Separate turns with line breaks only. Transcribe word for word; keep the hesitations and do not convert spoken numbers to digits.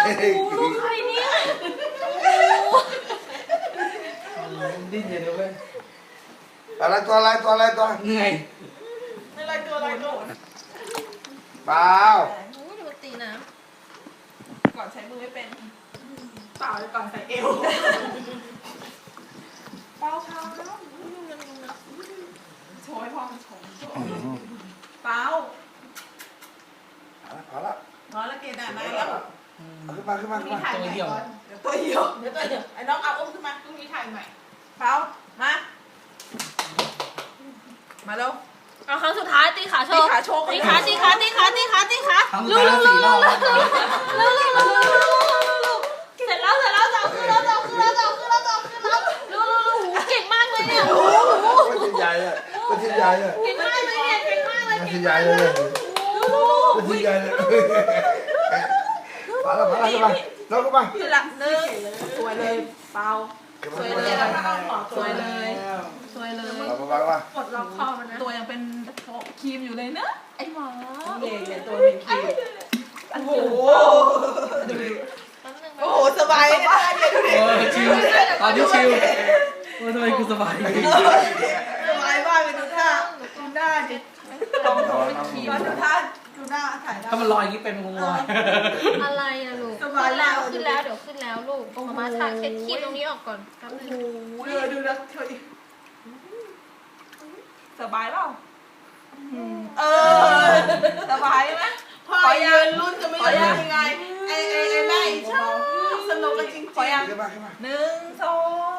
ลูกใครเนี่ย
ดิ้นอย่าดูเว้ย
อะไรตัวอะไรตัวอะไรตัว
เหนื่อย
อะไรตัวอะไรตัว
เปล่า
โอ้ยดูตีนะ
ก่อนใช้มือไม่เป็น
เปล่าก่อนใส่เอว
เป้าเท้าโชว์ให้พ่อมันชมเป้า
พอละ
พอแล้วเกณฑ์อ่ะนายแล้ว
ขึ้นมาขึ้นมาขึ้นมา
ถ่ายใหม่ก่อนเดี๋ยวตัวเหี่ยวเดี๋ยวตัวเหี่ยวไอ้น้องเอาอุ้มขึ้นมาพรุ่งนี้ถ่ายใหม่เป้ามามาเร็ว
เอาครั้งสุดท้ายตีขาโช
ตี
ว์
ขาโชว์
ตีขาตีขาตีขาตีขาตีขา
ทั้งสุดท้ายสี่รอบแล้ว
เร็วเร็วเร็วเร็วเร็วเร็วเสร็จแล้วเสร็จแล้วจะขึ้นแล้วจะขึ้นแล้วจะขึ้นแล้วจะขึ้นแล้วเร็วเร็วเร็วเก่งมากเลยเนี่ย
ก็ชิ้นใหญ่เลยก็ชิ้นใหญ่เลย
เก่งมากเลยเนี่ยเก่งมากเลย
ก็
เก่
ชิ้
ง
นใหญ่
มาก
เล
เลย
ยก็ชิ้นใหญ่เลยพอละพอละขึ้นมาน้องขึ้นมา
ขึ้นละหนึ่งสวยเลยเป้าสวยเลยสวยเลยสวยเลย
มามามา
ปลดล็อกคอมันนะ
ตัวยังเป็นครีมอยู่เลยเนอะ
ไอ้หมอ
เย่เนี่ยตัวเป็นครีมโอ้โห โอ้โหสบายเลยนะเดี๋ยวดูดิ
โอ้ชิวตอนนี้ชิวโอ้ทำไมกูสบาย
สบายมากเลยดูท่าดูหน้าดิลองดูดูท่าดูหน้าถ่ายหน้า
ถ้ามันลอยอย่างนี้เป็นคงลอย
อะไรอะลูก
สบายแล้
แล้ว วขึ้นแล้วเดี๋ยวขึ้นแล้วลูกมามาทาเช็ดคีบตรงนี้ออกก่อนแป๊บ
โอ้
นึ
โห
ง
ดูดูนะเธอดิสบายเปล่าเออสบายไหมพอยืนรุ่นจะไม่รู้ยังไงไอ้ไอ้ไอ้แม่ชอบสนุกกันจริงๆ
ขึ้นมาขึ้นมา
หนึ่งสอง